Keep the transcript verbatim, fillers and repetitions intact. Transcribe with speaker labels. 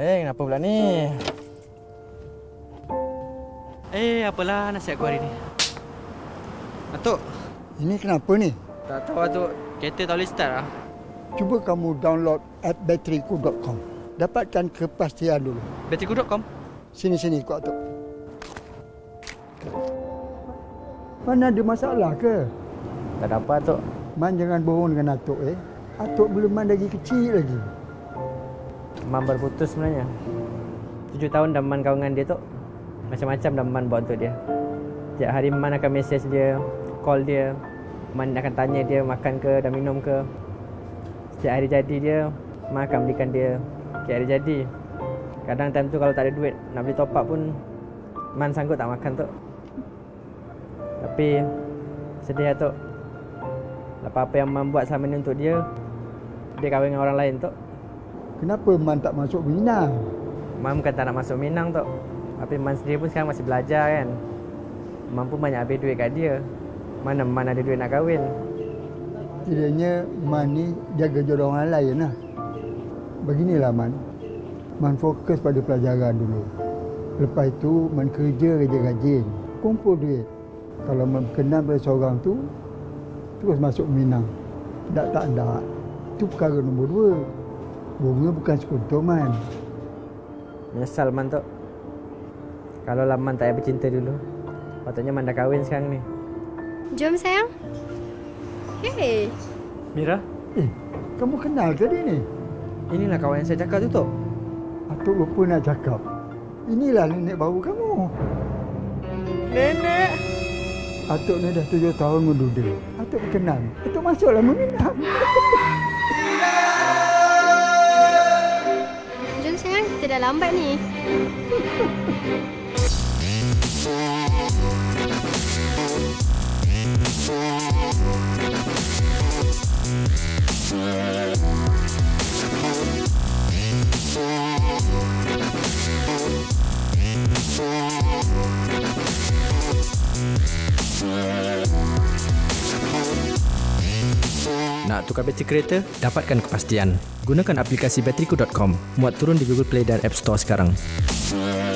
Speaker 1: Eh, kenapa pula ni?
Speaker 2: Eh, apalah nasihat aku hari ni? Atuk,
Speaker 3: Ini kenapa ni?
Speaker 2: tak tahu Atuk. Kereta tak boleh start lah.
Speaker 3: Cuba kamu download app batteriku dot com. Dapatkan kepastian dulu.
Speaker 2: Batteriku dot com.
Speaker 3: Sini-sini ikut Atuk. Mana ada masalah ke?
Speaker 1: Tak ada apa, Tok.
Speaker 3: Man jangan bohong dengan Atuk eh. Atuk belum man lagi kecil lagi.
Speaker 1: Man baru putus sebenarnya. Tujuh tahun dah Man kawan dengan dia, Tok. Macam-macam dah Man buat untuk dia. Tiap hari Man akan mesej dia, call dia. Man akan tanya dia makan ke, dah minum ke. Setiap hari jadi dia, Man akan belikan dia setiap hari jadi. Kadang time tu kalau tak ada duit nak beli top up pun, Man sanggup tak makan, Tok. Tapi sedih lah, Tok. Apa-apa yang Man buat selama ni untuk dia, dia kahwin dengan orang lain, Tok.
Speaker 3: Kenapa man tak masuk Minang?
Speaker 1: Man bukan tak nak masuk Minang, Tok. Tapi Man sendiri pun sekarang masih belajar kan. Man pun banyak habis duit kat dia. Mana Man ada duit nak kahwin.
Speaker 3: Kiranya man ni jaga jodoh orang lain lah. Beginilah man. Man fokus pada pelajaran dulu. Lepas itu man kerja rajin-rajin. Kumpul duit. Kalau man berkenan pada seorang tu, terus masuk Minang. Tak tak tak. Itu perkara nombor dua. Bunga bukan sekutu man.
Speaker 1: Menyesal Man, Tok. Kalau lah Man tak payah bercinta dulu, patutnya Man dah kahwin sekarang ni.
Speaker 4: Jom sayang. Hey.
Speaker 1: Mira,
Speaker 3: Eh, kamu kenal ke dia ni?
Speaker 1: inilah kawan yang saya cakap tu, Tok.
Speaker 3: Atuk lupa nak cakap. Inilah nenek baru kamu.
Speaker 1: Nenek!
Speaker 3: Atuk ni dah tujuh tahun menduda. Atuk berkenan. Atuk masuklah meminang.
Speaker 4: Jom sayang, kita dah lambat ni.
Speaker 5: Nak tukar bateri kereta? Dapatkan kepastian. Gunakan aplikasi batteriku dot com. Muat turun di Google Play dan App Store sekarang.